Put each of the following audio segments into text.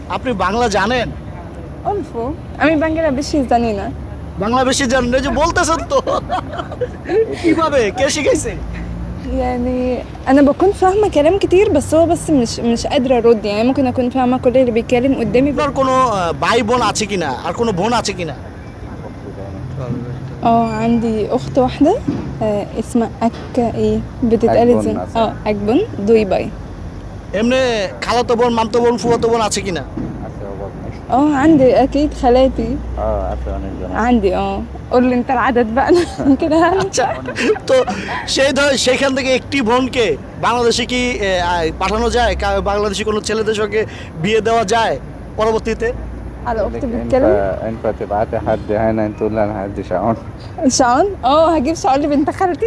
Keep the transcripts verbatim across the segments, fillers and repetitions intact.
আপনি বাংলা জানেন? অল্প। আমি বাংলা বেশি জানি না। বাংলা বেশি জানেন এই যে বলতেছেন তো। কিভাবে কে শিখাইছে? يعني أنا بكون فاهمة كلام كتير بس هو بس مش مش قادرة أرد يعني ممكن أكون فاهمة كل اللي بيتكلم قدامي আপনার بس. কোনো আহ, ভাই বোন আছে কিনা আর কোনো বোন আছে কিনা? اه عندي أخت واحدة آه اسمها أكا إيه بتتقال أكبن ازاي؟ مثلا. اه أكبن دوي باي. এমনি খালাতো বোন মামতো বোন ফুফাতো বোন আছে কিনা? আছে অভাব নেই। اه عندي أكيد خالاتي اه আছে অনেকজন আছে। عندي اه قول لي أنت العدد بقى أنا كده هعرف. আচ্ছা, তো সেই ধর সেখান থেকে একটি বোনকে বাংলাদেশে কি আহ, আহ, পাঠানো যায়? কা- বাংলাদেশি কোনো ছেলেদের সঙ্গে বিয়ে দেওয়া যায় পরবর্তীতে? على أختي لك بتتكلم ينفع ينفع تبعتي حد هنا تقول لي انا هدي شعون. شعون اه هجيب شعون لبنت خالتي.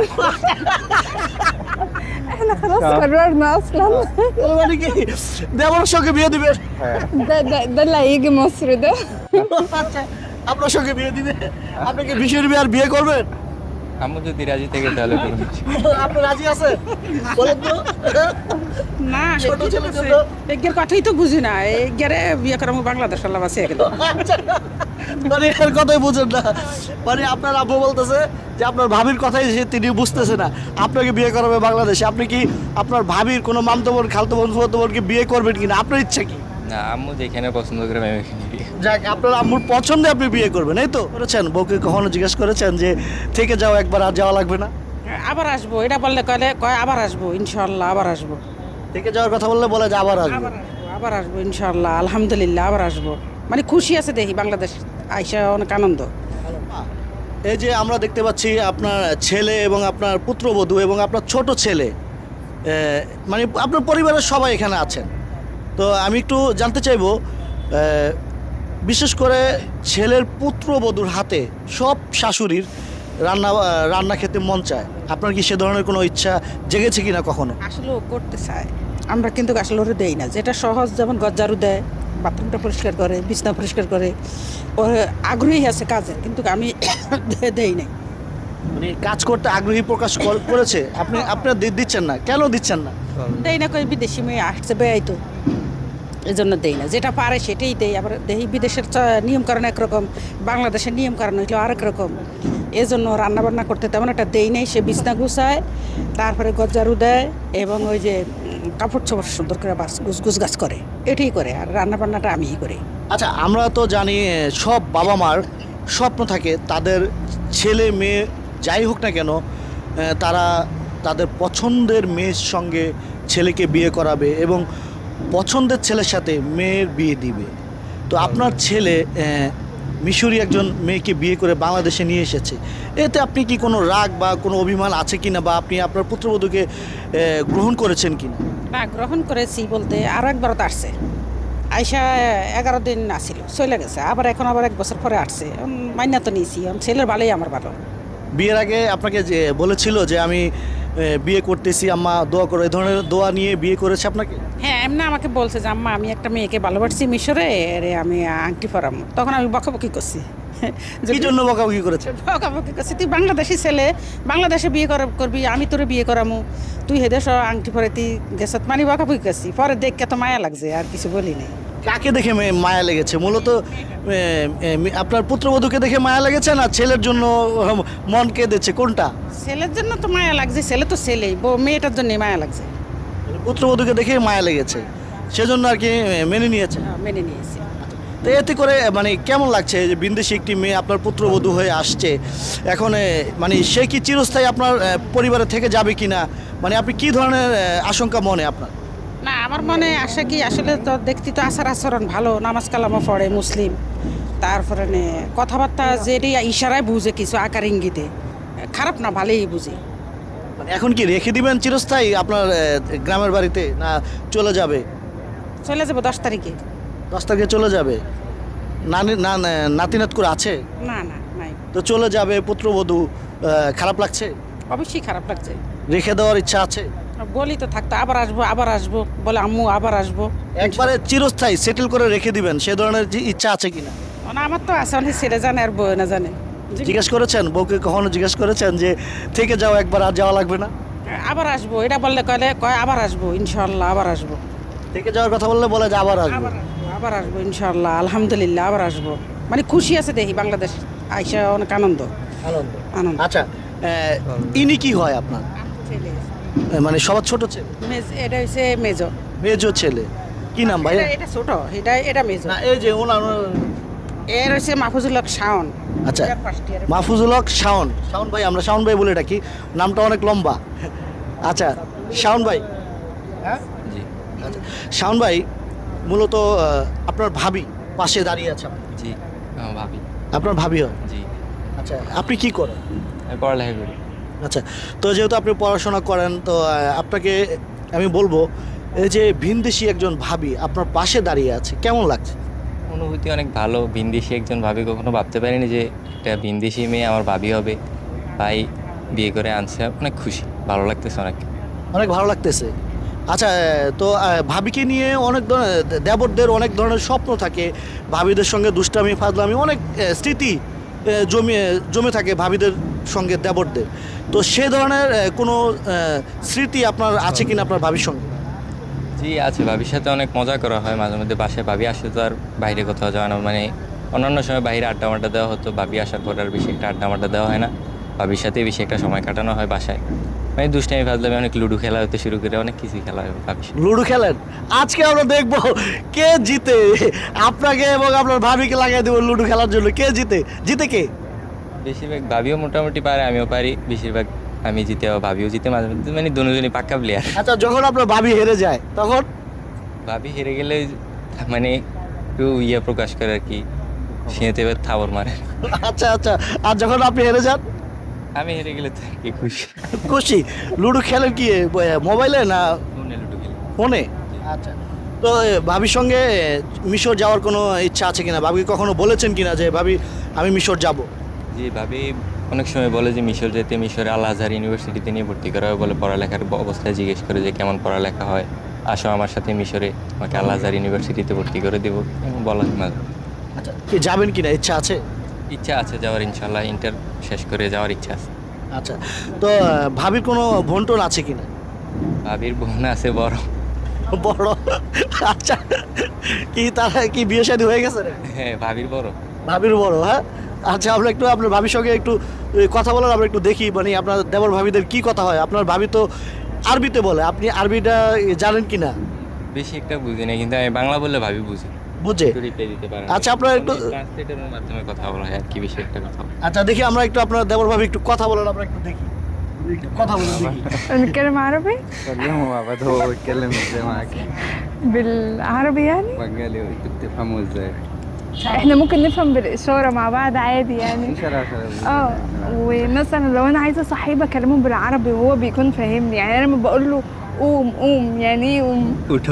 احنا خلاص شعون. قررنا أصلا. ও মানে কি দেওয়ার সঙ্গে বিয়ে দিবেন? ده ده ده اللي هيجي مصر ده. আচ্ছা, আপনার সঙ্গে বিয়ে দিবে? আপনি কি বিশের বিয়ে আর বিয়ে করবেন? আম্মু যদি রাজি থেকে তাহলে করুন। আপনি রাজি আছেন? বলেন তো। না ছোট ছেলের জন্য। এগের কথাই তো বুঝি না এগেরে বিয়ে করামু বাংলাদেশ আল্লাহ বাসে একদম মানে এর কথাই বুঝেন না, মানে আপনার আব্বু বলতেছে যে আপনার ভাবির কথাই সে তিনি বুঝতেছে না, আপনাকে বিয়ে করাবে বাংলাদেশে। আপনি কি আপনার ভাবির কোনো মামতো বোন খালতো বোন ফুফাতো বোনকে বিয়ে করবেন কিনা? আপনার ইচ্ছা কি? না আম্মু যেখানে পছন্দ করে আমি ওইখানে বিয়ে করব। যাক, আপনার আম্মুর পছন্দে আপনি বিয়ে করবেন, এই তো? করেছেন বউকে কখনো জিজ্ঞেস করেছেন যে থেকে যাও একবার আর যাওয়া লাগবে না? আবার আসবো এটা বললে কলে কয় আবার আসবো ইনশাআল্লাহ আবার আসবো থেকে যাওয়ার কথা বললে বলে যে আবার আসবে। আবার আসবো আবার আসবো ইনশাআল্লাহ আলহামদুলিল্লাহ আবার আসবো মানে খুশি আছে দেখি বাংলাদেশ আইসা অনেক আনন্দ। এই যে আমরা দেখতে পাচ্ছি আপনার ছেলে এবং আপনার পুত্রবধূ এবং আপনার ছোট ছেলে, এ, মানে আপনার পরিবারের সবাই এখানে আছেন। তো আমি একটু জানতে চাইবো, এ, বিশেষ করে ছেলের পুত্রবধূর হাতে সব শাশুড়ির রান্না রান্না খেতে মন চায়। আপনার কি সে ধরনের কোনো ইচ্ছা জেগেছে কিনা কখনো? আসলে ও করতে চায় আমরা কিন্তু আসলে ওরে দেই না, যেটা সহজ যেমন গজ্জারু দেয় বাথরুমটা পরিষ্কার করে বিছনা পরিষ্কার করে ওর আগ্রহী আছে কাজে কিন্তু আমি দেই নাই। মানে কাজ করতে আগ্রহী প্রকাশ কর- করেছে, আপনি আপনার দি- দিচ্ছেন না কেন? দিচ্ছেন না? দেই না কই বিদেশি মেয়ে আসছে বেয়াই তো এই জন্য দেই না, যেটা পারে সেটাই দেই। আবার দেখি বিদেশের চ- নিয়মকানুন একরকম, বাংলাদেশের নিয়মকানুন হইলো আরেক রকম, এই জন্য রান্নাবান্না করতে তেমন একটা দেই নাই। সে বিছনা গুছায়, তারপরে গজ্জারু দেয় এবং ওই যে উম, কাপড় চোপড় সুন্দর করে বাস গুছ গুছ গাছ করে, এটাই করে। আর রান্নাবান্নাটা আমিই করি। আচ্ছা, আমরা তো জানি এ, সব বাবা মার স্বপ্ন থাকে তাদের ছেলে মেয়ে যাই হোক না কেন, এ, তারা তাদের পছন্দের মেয়ের সঙ্গে ছেলেকে বিয়ে করাবে এবং পছন্দের ছেলের সাথে মেয়ের বিয়ে দিবে। তো আপনার ছেলে এ, মিশরি একজন মেয়েকে বিয়ে করে বাংলাদেশে নিয়ে এসেছে, এতে আপনি কি কোনো রাগ বা কোনো অভিমান আছে কিনা, বা আপনি আপনার পুত্রবধূকে এ, গ্রহণ করেছেন কিনা? না গ্রহণ করেছি বলতে আরও একবার তো আসছে, আইসা এগারো দিন আসিল চলে গেছে, আবার এখন আবার এক বছর পরে আসছে। উম, মাইনা তো নিয়েছি, এখন ছেলের ভালোই আমার ভালো। বিয়ের আগে আপনাকে যে বলেছিল যে আমি এ, বিয়ে করতেছি আম্মা দোয়া করো, এই ধরনের দোয়া নিয়ে বিয়ে করেছে আপনাকে? হ্যাঁ এমনি আমাকে বলছে যে আম্মা আমি একটা মেয়েকে ভালোবাসছি মিশরে, এরে আমি আংটি পরামো। তখন আমি বকাবকি করছি যে কি জন্য বকাবকি করেছে? বকাবকি করছি তুই বাংলাদেশি ছেলে, বাংলাদেশে বিয়ে করা করবি, আমি তোরে বিয়ে করামু, তুই হেদেশ আংটি পরে তুই গেছত, মানে বকাবকি করছি। পরে দেখে তো মায়া লাগছে, আর কিছু বলি নাই। কাকে দেখে মে- মায়া লেগেছে মূলত? এ, এ, আপনার পুত্রবধূকে দেখে মায়া লেগেছে না ছেলের জন্য উম, মন কেঁদেছে, কোনটা? ছেলের জন্য তো মায়া লাগছে, ছেলে তো ছেলেই, বউ মেয়েটার জন্য মায়া লাগছে। পুত্রবধূকে দেখে মায়া লেগেছে, সেজন্য আর কি এ, মেনে নিয়েছে। হ্যাঁ, মেনে নিয়েছি। তো এতে করে মানে কেমন লাগছে যে বিদেশি একটি মেয়ে আপনার পুত্রবধূ হয়ে আসছে এখন, এ, মানে সে কি চিরস্থায়ী আপনার এ, পরিবারে থেকে যাবে কিনা, মানে আপনি কি ধরনের এ, আশঙ্কা মনে আপনার? না আমার মনে আসে কি আসলে তো দেখতে তো আচার আচরণ ভালো, নামাজ কালামও পড়ে, মুসলিম, তারপরে নে কথাবার্তা যেটি ইশারায় বুঝে কিছু আকার ইঙ্গিতে, খারাপ না ভালোই বুঝি। মানে এখন কি রেখে দিবেন চিরস্থায়ী আপনার এ, গ্রামের বাড়িতে, না চলে যাবে? চলে যাবো দশ তারিখে। দশ তারিখে চলে যাবে? নানি না না- নাতিনাত করে আছে? না না নাই, তো চলে যাবে পুত্রবধূ, আহ, খারাপ লাগছে? অবশ্যই খারাপ লাগছে। রেখে দেওয়ার ইচ্ছা আছে? বলি তো থাকতো আবার আসবো আবার আসবো, বলে আম্মু আবার আসবো। একবারে চিরস্থায়ী সেটেল করে রেখে দিবেন সে ধরনের যে ইচ্ছা আছে কিনা? না আমার তো আছে, অনেক ছেলে জানে আর বউ না জানে। জিজ্ঞেস করেছেন বউকে কখনো? জিজ্ঞেস করেছেন যে থেকে যাও একবার আর যাওয়া লাগবে না? আবার আসবো এটা বললে কলে কয় আবার আসবো ইনশাল্লাহ আবার আসবো। থেকে যাওয়ার কথা বললে বলে যে আবার আসবে। আবার আসবো আবার আসবো ইনশাল্লাহ, আলহামদুলিল্লাহ আবার আসবো। মানে খুশি আছে দেখি বাংলাদেশ আইসা, অনেক আনন্দ আনন্দ। আনন্দ। আচ্ছা আহ, ইনি কি হয় আপনার? আহ, মানে সবার ছোট ছেলে, মেজ- এটা হচ্ছে মেজো। মেজো ছেলে। কি নাম ভাই? এটা- এটা ছোট, এটা এটা মেজো। না এই যে ওনার এর হচ্ছে মাহফুজুল হক শাওন। আচ্ছা এটা first year এ। মাহফুজুল হক শাওন। শাওন ভাই, আমরা শাওন ভাই বলে ডাকি, নামটা অনেক লম্বা। আচ্ছা শাওন ভাই, হ্যাঁ জি আচ্ছা শাওন ভাই মূলত আহ, আপনার ভাবি পাশে দাঁড়িয়ে আছে আপনার। জি আমার ভাবি। আপনার ভাবি হয়? জি আচ্ছা আপনি কি করেন? আমি পড়ালেখা করি। আচ্ছা, তো যেহেতু আপনি পড়াশোনা করেন, তো আহ, আপনাকে আমি বলবো এই যে ভিনদেশি একজন ভাবি আপনার পাশে দাঁড়িয়ে আছে, কেমন লাগছে? অনুভূতি অনেক ভালো। ভিনদেশি একজন ভাবি, কখনো ভাবতে পারিনি যে একটা ভিনদেশি মেয়ে আমার ভাবি হবে। ভাই বিয়ে করে আনছে, অনেক খুশি, ভালো লাগতেছে অনেক। অনেক ভালো লাগতেছে। আচ্ছা আহ, তো আহ, ভাবিকে নিয়ে অনেক ধরনের দেবরদের অনেক ধরনের স্বপ্ন থাকে, ভাবিদের সঙ্গে দুষ্টামি ফাজলামি অনেক আহ, স্মৃতি আহ, জমে জমে থাকে ভাবিদের সঙ্গে দেবরদের। তো সে ধরনের আহ, কোনো আহ, স্মৃতি আপনার আছে কিনা আপনার ভাবির সঙ্গে? জি আছে, ভাবির সাথে অনেক মজা করা হয় মাঝে মধ্যে। বাসায় ভাবি আসলে তো আর বাইরে কোথাও যাওয়া না, মানে অন্যান্য সময় বাইরে আড্ডা মাড্ডা দেওয়া হতো, ভাবি আসার পর আর বেশি একটা আড্ডা মাড্ডা দেওয়া হয় না। ভাবির সাথে বেশি একটা সময় কাটানো হয় বাসায়। মানে দুষ্টামি ফাজলামি, অনেক লুডো খেলা হতে শুরু করে অনেক কিছুই খেলা হয় ভাবির সাথে। লুডো খেলেন? আজকে আমরা দেখবো কে জিতে, আপনাকে এবং আপনার ভাবিকে লাগাই দেবো লুডো খেলার জন্য। কে জিতে? জিতে কে? বেশিরভাগ ভাবিও মোটামুটি পারে, আমিও পারি। বেশিরভাগ আমি জিতে, আবার ভাবিও জিতে মাঝে মধ্যে, মানে দুজনই পাক্কা প্লেয়ার। আচ্ছা যখন আপনার ভাবি হেরে যায় তখন? ভাবি হেরে গেলে মানে একটু ইয়ে প্রকাশ করে আর কি, সিঁড়িতে এবার থাবর মারে। আচ্ছা আচ্ছা, আর যখন আপনি হেরে যান? আমি হেরে গেলে তো আর কি খুশি। খুশি। লুডো খেলেন কি এ, মোবাইলে না ফোনে লুডো খেলি। ফোনে? আচ্ছা, তো এ, ভাবির সঙ্গে এ, মিশর যাওয়ার কোনো ইচ্ছা আছে কিনা? ভাবি কখনো বলেছেন কিনা যে ভাবি আমি মিশর যাব? জি ভাবি অনেক সময় বলে যে মিশর যেতে, মিশরে আল আজহার ইউনিভার্সিটিতে নিয়ে ভর্তি করা হয় বলে। পড়ালেখার ব- অবস্থায় জিজ্ঞেস করে যে কেমন পড়ালেখা হয়, আসো আমার সাথে মিশরে, আমাকে আল আজহার ইউনিভার্সিটিতে ভর্তি করে দেবো, এমন বলা হয় মাঝে। আচ্ছা, কি যাবেন কিনা ইচ্ছা আছে? ইচ্ছা আছে যাওয়ার, ইনশাল্লাহ ইন্টার শেষ করে যাওয়ার ইচ্ছা আছে। আচ্ছা, তো আহ, ভাবির কোনো ভন্টন আছে কিনা? ভাবির বোন আছে বড়। বড়? আচ্ছা, কি তারা কি বিয়ে শাদী হয়ে গেছে রে? হ্যাঁ ভাবির বড়। ভাবির বড়, হ্যাঁ। আচ্ছা, আমরা একটু আপনার ভাবির সঙ্গে একটু এ, কথা বলার আমরা একটু দেখি, মানে আপনার দেবর ভাবিদের কি কথা হয়। আপনার ভাবি তো আরবিতে বলে, আপনি আরবিটা জানেন কি না? বেশি একটা বুঝি না, কিন্তু আমি বাংলা বললে ভাবি বুঝি, বুঝে? একটু রিপ্লাই দিতে পারে। আচ্ছা, আপনারা একটু- ট্রান্সলেটরের মাধ্যমে কথা বলা হয় আর কি, বেশি একটা কথা বলা হয়। আচ্ছা দেখি আমরা একটু আপনার দেবর ভাবি একটু কথা বলেন, আমরা একটু দেখি, একটু কথা বলেন দেখি। نتكلم عربي كلمه مع بعض، هو بيتكلم ازاي معاك؟ بالعربي يعني بنجالي، انتوا بتفهموا ازاي؟ احنا ممكن نفهم بالإشارة مع بعض عادي يعني في شرف. اه ومثلا لو انا عايزه صاحبي اكلمه بالعربي وهو بيكون فاهمني، يعني انا لما بقول له قوم قوم يعني ايه قوم উঠো।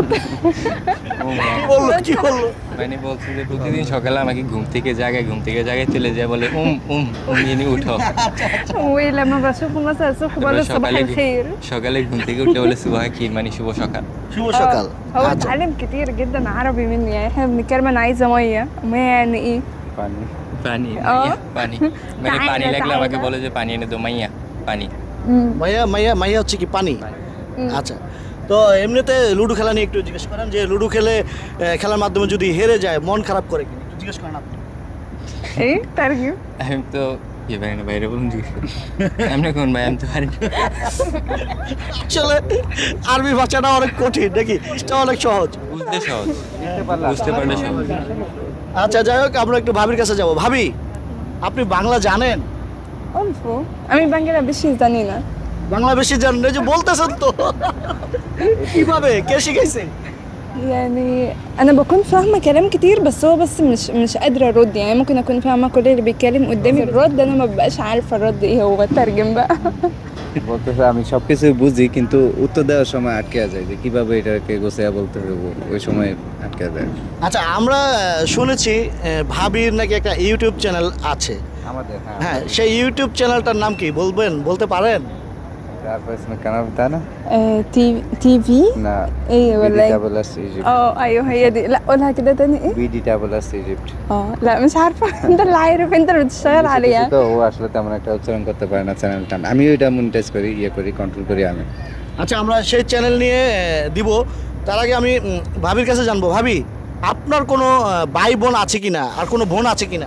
কি বললো কি বললো? মানে বলছে যে প্রতিদিন সকালে আমাকে ঘুম থেকে জাগায়, ঘুম থেকে জাগায় তুলে যায়, বলে উম উম উম ইনি উঠো। ولما بشوفه مثلا الصبح بقول له তারপরে صباح সকালে الخير. সকালে ঘুম থেকে উঠে বলে সুবাহ খির, মানে শুভ সকাল। শুভ সকাল। آه، هو আচ্ছা, اتعلم كتير جدا عربي مني، يعني احنا بنتكلم انا عايزه ميه، ميه يعني ايه؟ পানি। পানি ও। মাইয়া, পানি মানে তাই পানি না, লাগলে তাই আমাকে না। বলে যে পানি এনে দো মাইয়া, পানি। مم. মাইয়া মাইয়া মাইয়া হচ্ছে কি পানি? আচ্ছা, তো এমনিতে লুডো খেলা নিয়ে একটু জিজ্ঞেস করেন যে লুডো খেলে আহ, খেলার মাধ্যমে যদি হেরে যায় মন খারাপ করে কিনা, একটু জিজ্ঞেস করেন আপনি। ايه ترجم. আমি তো ইয়ে পারি না, বাইরে বলুন জিজ্ঞেস করি। এমনি কোন ভাই, আমি তো পারি না। আসলে আরবি ভাষাটা অনেক কঠিন নাকি? এটা অনেক সহজ। বুঝতে সহজ, বুঝতে পারলে সহজ। আচ্ছা যাই হোক, আমরা একটু ভাবির কাছে যাব। ভাবি, আপনি বাংলা জানেন? অল্প, আমি বাংলা বেশি জানি না। বাংলা বেশি জানেন, এই যে বলতেছেন তো। কিভাবে, কে শিখাইছে? يعني انا بكون فاهمه كلام كتير بس هو بس مش مش قادره ارد، يعني ممكن اكون فاهمه كل اللي بيتكلم قدامي الرد انا ما ببقاش عارفه الرد ايه، هو بترجم بقى. বলতেছে আমি সবকিছু বুঝি কিন্তু উত্তর দেওয়ার সময় আটকে যায় যে কিভাবে এটাকে গোছায়া বলতে হবে, ওই সময় আটকে যায়। আচ্ছা, আমরা আহ, শুনেছি আহ, ভাবির নাকি একটা ইউটিউব চ্যানেল আছে। আমাদের হ্যাঁ, সেই ইউটিউব চ্যানেলটার নাম কি বলবেন, বলতে পারেন? عارفه اسم القناه بتاعنا؟ آه، تي تي في لا ايه ولا بي دي ايه؟ دبل اس ايجيبت. اه ايوه هي دي، لا قولها كده تاني ايه؟ بي دي دبل اس ايجيبت. اه لا مش عارفه. انت اللي عارف، انت اللي بتشتغل عليها. তো ও আসলে তেমন একটা উচ্চারণ করতে পারে না চ্যানেলটা, আমি ওইটা মনিটাইজ করি, ইয়ে করি, কন্ট্রোল করি আমি। আচ্ছা, আমরা সেই চ্যানেল নিয়ে আহ, দিব। তার আগে আমি উম, ভাবির কাছে জানবো। ভাবি, আপনার কোনো আহ, ভাই বোন আছে কিনা আর কোনো বোন আছে কিনা?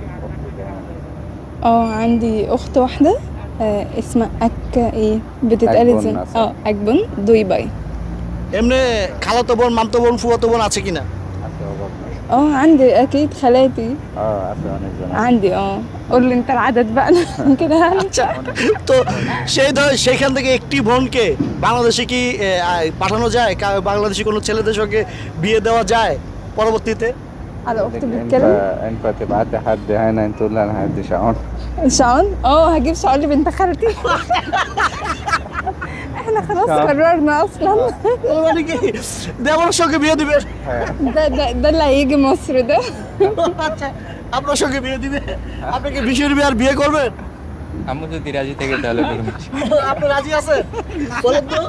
اه عندي أخت واحدة آه اسمها أك إيه بتتقال أكبن ازاي؟ مثلا. اه أكبن دوي باي. এমনি খালাতো বোন মামতো বোন ফুয়াতো বোন আছে কিনা? আছে অভাব নাই। اه عندي أكيد خالاتي اه আছে অনেকজন আছে। عندي اه قول لي أنت العدد بقى أنا كده هنسى. তো সেই ধর সেখান থেকে একটি বোনকে বাংলাদেশে কি আহ, আহ, পাঠানো যায়? কা- বাংলাদেশি কোনো ছেলেদের সঙ্গে বিয়ে দেওয়া যায় পরবর্তীতে? على أختي انت بتتكلم انت تبعت حد هنا تقول لي انا هدي شعون. شعون اه هجيب شعون لبنت خالتي. احنا خلاص شعون. قررنا أصلا. ও মানে কি দেওয়ার সঙ্গে বিয়ে দিবে? ده ده ده اللي هيجي مصر ده. আচ্ছা, আপনার সঙ্গে বিয়ে দিবে? আপনি কি বিশের বিয়ে আর বিয়ে করবেন? আম্মু যদি রাজি থেকে তাহলে করবো। আপনি রাজি আছেন? বলেন তো।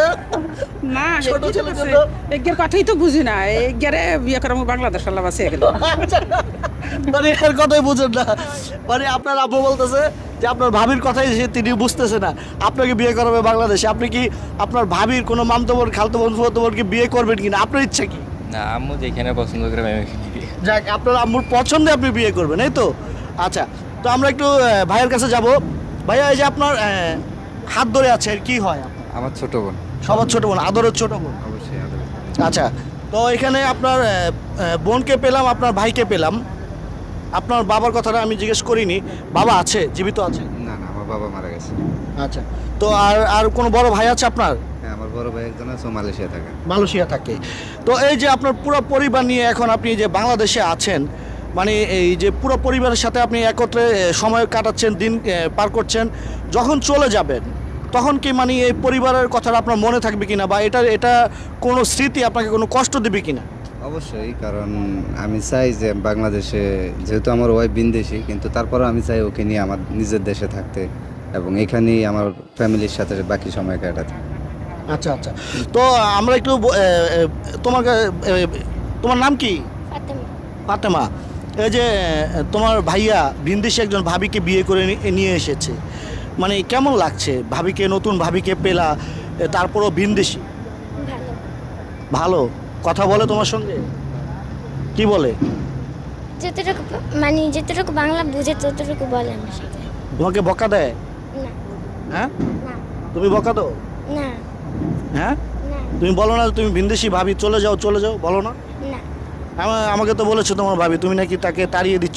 না ছোট এগিয়ে ছেলের আছে। জন্য? এগিয়ের কথাই তো বুঝি না এগিয়ারে বিয়ে করার বাংলাদেশ আল্লাহ আছে এগুলো মানে এর কথাই বুঝেন না। মানে আপনার আব্বু বলতেছে যে আপনার ভাবির কথাই সে তিনি বুঝতেছে না, আপনাকে বিয়ে করাবে বাংলাদেশে। আপনি কি আপনার ভাবির কোনো মামতো বোন খালতো বোন ফুয়াতো বোনকে বিয়ে করবেন কিনা? আপনার ইচ্ছা কি? না, আম্মু যেখানে পছন্দ করে আমি ওইখানে বিয়ে। যাক, আপনার আম্মুর পছন্দে আপনি বিয়ে করবেন, এই তো। আচ্ছা, তো আমরা একটু আহ, ভাইয়ের কাছে যাব। ভাইয়া, এই যে আপনার আহ, হাত ধরে আছে, এর কি হয় আপনার? আমার ছোট বোন। সবার ছোট বোন, আদরের ছোট বোন। অবশ্যই আদর। আচ্ছা, তো এখানে আপনার আহ, আহ, বোনকে পেলাম, আপনার ভাইকে পেলাম। আপনার বাবার কথাটা আমি জিজ্ঞেস করিনি। বাবা আছে, জীবিত আছে? না না আমার বাবা মারা গেছে। আচ্ছা, তো আর আর কোনো বড় ভাই আছে আপনার? হ্যাঁ আমার বড় ভাই একজন আছে ও মালয়েশিয়া থাকে। মালয়েশিয়া থাকে। তো এই যে আপনার পুরো পরিবার নিয়ে এখন আপনি যে বাংলাদেশে আছেন, মানে এই যে পুরো পরিবারের সাথে আপনি একত্রে এ, সময় কাটাচ্ছেন, দিন এ, পার করছেন, যখন চলে যাবেন তখন কি মানে এই পরিবারের কথাটা আপনার মনে থাকবে কিনা, বা এটা এটা কোনো স্মৃতি আপনাকে কোনো কষ্ট দেবে কিনা? অবশ্যই, কারণ আমি চাই যে বাংলাদেশে, যেহেতু আমার ওয়াইফ বিদেশি, কিন্তু তারপরেও আমি চাই ওকে নিয়ে আমার নিজের দেশে থাকতে এবং এখানেই আমার ফ্যামিলির সাথে বাকি সময় কাটাতে। আচ্ছা আচ্ছা, তো আমরা একটু ব- এ, এ, তোমার কা- এ, তোমার নাম কি? ফাতেমা। এই যে এ, তোমার ভাইয়া ভিনদেশে একজন ভাবিকে বিয়ে করে নি- নিয়ে এসেছে, মানে কেমন লাগছে ভাবিকে, নতুন ভাবিকে পেলা, এ, তারপরও ভিনদেশি? ভালো ভালো কথা বলে তোমার সঙ্গে? কি বলে? যতটুকু মানে যতটুকু বাংলা বুঝে ততটুকু বলে আমার সাথে তোমাকে বকা দেয়? না হ্যাঁ, না তুমি বকা দাও? না হ্যাঁ, না তুমি বলো না তুমি ভিনদেশি ভাবি, চলে যাও চলে যাও, বলো না? না আমা- আমাকে তো বলেছো তোমার ভাবি, তুমি নাকি তাকে তাড়িয়ে দিচ্ছ।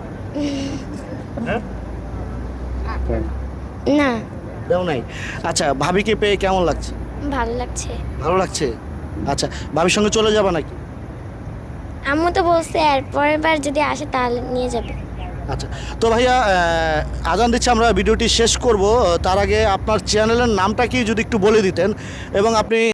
হ্যাঁ, না দেও নাই। আচ্ছা, ভাবিকে পেয়ে কেমন লাগছে? ভালো লাগছে ভালো লাগছে। আচ্ছা, ভাবির সঙ্গে চলে যাবা নাকি? আম্মু তো বলছে আর পরের বার যদি আসে তাহলে নিয়ে যাবে আচ্ছা, তো ভাইয়া আহ, আজান দিচ্ছে, আমরা ভিডিওটি শেষ করব। তার আগে আপনার চ্যানেলের নামটা কি যদি একটু বলে দিতেন, এবং আপনি